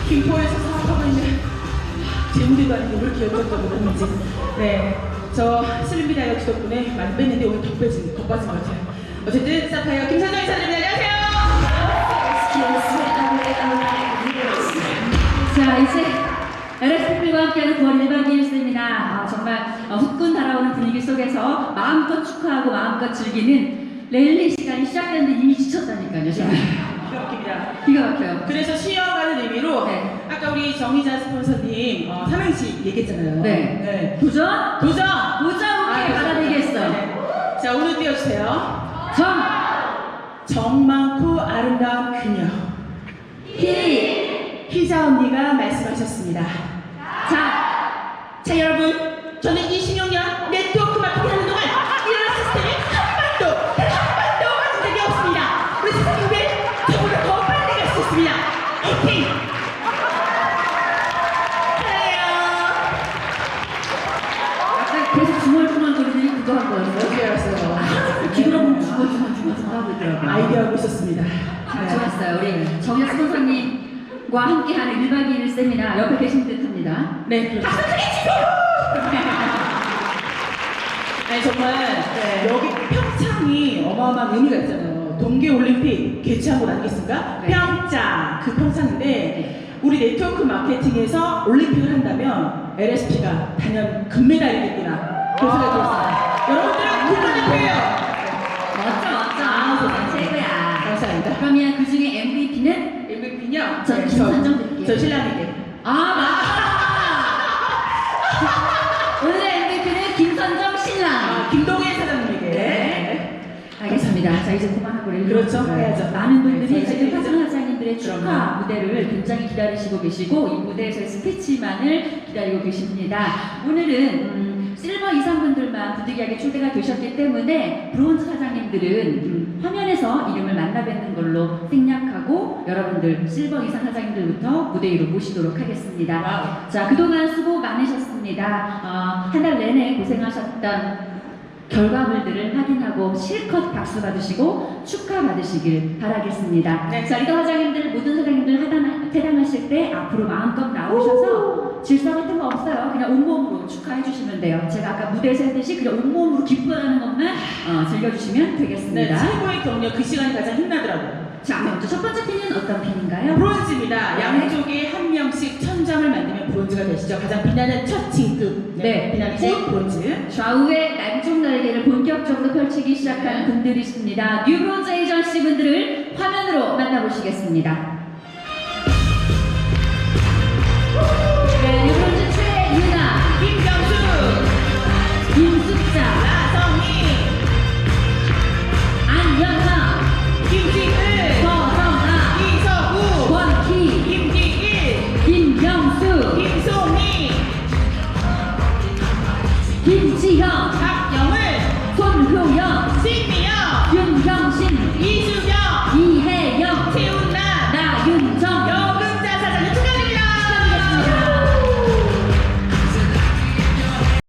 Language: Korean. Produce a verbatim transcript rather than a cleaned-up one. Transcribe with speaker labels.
Speaker 1: 김포에서 사업하고 있는 제 무대도 아니고 왜 이렇게 열정적으로 했는지. 네, 저 슬림비 다이어트 덕분에 많이 뺐는데 오늘 더 빼진, 더 빠진 것 같아요. 어쨌든 사파이어 김선정 이사님입니다. 안녕하세요.
Speaker 2: 자, 이제 엘에스피와 함께하는 구월 일 박 이 일 수입니다. 아, 정말 어, 후끈 달아오는 분위기 속에서 마음껏 축하하고 마음껏 즐기는 랠리 시간이 시작됐는데 이미 지쳤다니까요. 지금.
Speaker 1: 기가 막힙니다.
Speaker 2: 기가 막혀요.
Speaker 1: 그래서 쉬어가는 의미로
Speaker 2: 네.
Speaker 1: 아까 우리 정희자 스폰서님 어, 삼행시 얘기했잖아요.
Speaker 2: 네.
Speaker 1: 네.
Speaker 2: 도전!
Speaker 1: 도전!
Speaker 2: 도전! 오케이, 받아들이겠어.
Speaker 1: 네. 자, 오늘 띄워주세요.
Speaker 2: 정!
Speaker 1: 정 많고 아름다운 그녀.
Speaker 2: 희!
Speaker 1: 희자 언니가 말씀하셨습니다.
Speaker 2: 자!
Speaker 1: 자, 여러분, 저는 이십육 년 네트워크 마케팅 하는 동안 이런 시스템이 한 번도, 단 한 번도 가진 적이 없습니다. 우리 선생님들, 저보다 더 빨리 갈 수 있습니다. 화이팅!
Speaker 2: 약간 계속 중얼중얼거리더니 그거 한 거였어요?
Speaker 1: 어떻게 알았어요?
Speaker 2: 기도하면 중얼중얼중얼 하고 있더라고요.
Speaker 1: 아이디어하고 있었습니다.
Speaker 2: 아, 좋았어요. 우리 정희 스폰서님과 함께하는 일 박 이 일 세미나 옆에 계신 듯합니다.
Speaker 1: 네, 박수 크게 치고! 아니 정말
Speaker 2: 네.
Speaker 1: 여기 평창이 어마어마한 의미가 있잖아요. 동계올림픽 개최한 곳 아니겠습니까?
Speaker 2: 네.
Speaker 1: 평창, 그 평창인데 우리 네트워크 마케팅에서 올림픽을 한다면 엘에스피가 단연 금메달이겠구나 그런 생각이 들었어요. 여러분들은 국가대표예요.
Speaker 2: 멋져 멋져. 아, 최고야.
Speaker 1: 감사합니다.
Speaker 2: 그러면 그 중에 엠브이피는
Speaker 1: 엠브이피는요?
Speaker 2: 전 김선정 드릴게요.
Speaker 1: 저 신랑에게.
Speaker 2: 아 맞다. 오늘의 엠브이피는 김선정 신랑.
Speaker 1: 아, 김동현 사장님에게.
Speaker 2: 네. 알겠습니다. 자 이제 그만하고 랠리.
Speaker 1: 그렇죠. 해야죠.
Speaker 2: 많은 분들이
Speaker 1: 네,
Speaker 2: 지금
Speaker 1: 저희
Speaker 2: 파트너 사장님들의 축하
Speaker 1: 그럼요.
Speaker 2: 무대를 굉장히 기다리시고 계시고 이 무대에서의 스피치만을 기다리고 계십니다. 오늘은 음, 실버 이상분들만 부득이하게 초대가 되셨기 때문에 브론즈 사장님들은 음, 화면에서 이름을 만나 뵙는 걸로 생략하고 여러분들 실버 이상 사장님들부터 무대 위로 모시도록 하겠습니다.
Speaker 1: 와우.
Speaker 2: 자 그동안 수고 많으셨습니다. 어, 한 달 내내 고생하셨던 결과물들을 확인하고 실컷 박수 받으시고 축하 받으시길 바라겠습니다.
Speaker 1: 네.
Speaker 2: 자, 리더 사장님들 모든 사장님들 하단, 퇴장하실 때 앞으로 마음껏 나오셔서 질서 같은 거 없어요. 그냥 온몸으로 축하해 주시면 돼요. 제가 아까 무대에서 했듯이 그냥 온몸으로 기뻐하는 것만 어, 즐겨주시면
Speaker 1: 네,
Speaker 2: 되겠습니다.
Speaker 1: 최고의 격려 그 시간이 가장 힘나더라고요.
Speaker 2: 자, 먼저 첫 번째 핀은 어떤 핀인가요?
Speaker 1: 브론즈입니다.
Speaker 2: 네.
Speaker 1: 양쪽에 한 명씩 천 점을 만들면 브론즈가 되시죠. 가장 빛나는 첫 진급.
Speaker 2: 네.
Speaker 1: 빛나는 브론즈.
Speaker 2: 좌우의 남쪽 날개를 본격적으로 펼치기 시작한 분들이십니다. 뉴브론즈 에이전시 분들을 화면으로 만나보시겠습니다. 네, 뉴브론즈 최유나,
Speaker 1: 김경수,
Speaker 2: 김숙자,
Speaker 1: 나성희,
Speaker 2: 안연하,
Speaker 1: 김지은,
Speaker 2: 서성아,
Speaker 1: 이서구,
Speaker 2: 권희,
Speaker 1: 김기일,
Speaker 2: 김경수,
Speaker 1: 김송희,
Speaker 2: 김지형,
Speaker 1: 박영을,
Speaker 2: 손효영,
Speaker 1: 신미영,
Speaker 2: 윤경신,